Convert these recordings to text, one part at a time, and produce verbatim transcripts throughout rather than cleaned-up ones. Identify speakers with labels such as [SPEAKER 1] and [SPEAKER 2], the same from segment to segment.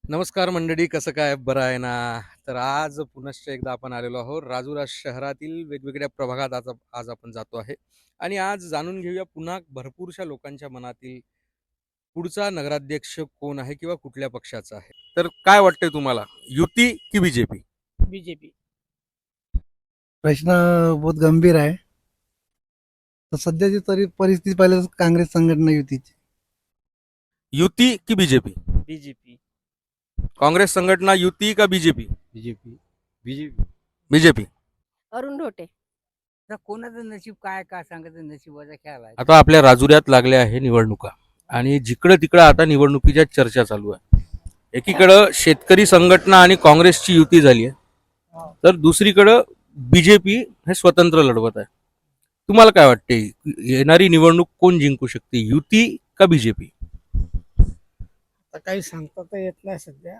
[SPEAKER 1] नमस्कार मंडळी, कसं काय, बरं आहे ना? तर आज पुनश्च एकदा आपण आलेलो आहोत राजुरा शहरातील वेगवेगळ्या प्रभागात. आज आज आपण जातो आहे आणि आज जाणून घेऊया पुन्हा भरपूरशा लोकांच्या मनातील पुढचा नगराध्यक्ष कोण आहे किंवा कुठल्या पक्षाचा आहे. तर काय वाटतंय तुम्हाला, युती की बीजेपी?
[SPEAKER 2] बीजेपी.
[SPEAKER 3] प्रश्न बहुत गंभीर आहे. तर सध्याची तरी परिस्थिती पाहिलं तर काँग्रेस संघटना युतीची.
[SPEAKER 1] युती की बीजेपी?
[SPEAKER 2] बीजेपी.
[SPEAKER 1] काँग्रेस संघटना युती का BJP?
[SPEAKER 4] BJP BJP
[SPEAKER 1] BJP.
[SPEAKER 5] Arun Dhote.
[SPEAKER 4] आता कोणाचं नशीब काय काय सांगायचं, नशिबाचा खेळ आहे.
[SPEAKER 1] आता आपल्या राजुऱ्यात लागल्या आहे निवडणुका आणि जिकडं तिकडं आता निवडणुकीच्या चर्चा चालू आहे. एकीकडं शेतकरी संघटना आणि काँग्रेसची युती झाली आहे, तर दुसरीकडं बीजेपी हे स्वतंत्र लढवत आहे. तुम्हाला काय वाटते, येणारी निवडणूक कोण जिंकू शकते, युती का बीजेपी?
[SPEAKER 2] आता काही सांगता तर येत नाही सध्या,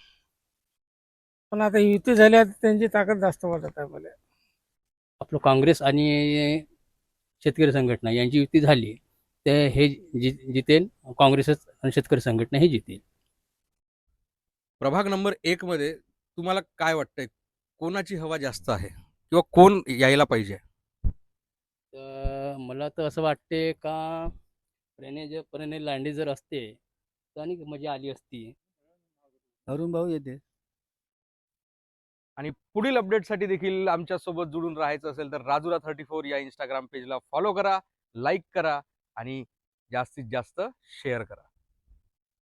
[SPEAKER 2] पण आता युती झाल्या त्यांची ताकद जास्त वाटत आहे मला.
[SPEAKER 6] आपलं काँग्रेस आणि शेतकरी संघटना यांची युती झाली तर हे जि जितेल काँग्रेसच आणि शेतकरी संघटना हे जितेल.
[SPEAKER 1] प्रभाग नंबर एक मध्ये तुम्हाला काय वाटतंय, कोणाची हवा जास्त आहे किंवा कोण यायला पाहिजे?
[SPEAKER 6] तर मला तर असं वाटते का प्रणय जर प्रणय लांडे जर असते तर आणि मजा आली असती.
[SPEAKER 4] अरुण भाऊ येते.
[SPEAKER 1] आणि पुढील अपडेटसाठी देखील आमच्यासोबत जुळून राहायचं असेल तर राजुरा थर्टी फोर या इंस्टाग्राम पेजला फॉलो करा, लाईक करा आणि जास्तीत जास्त शेअर करा.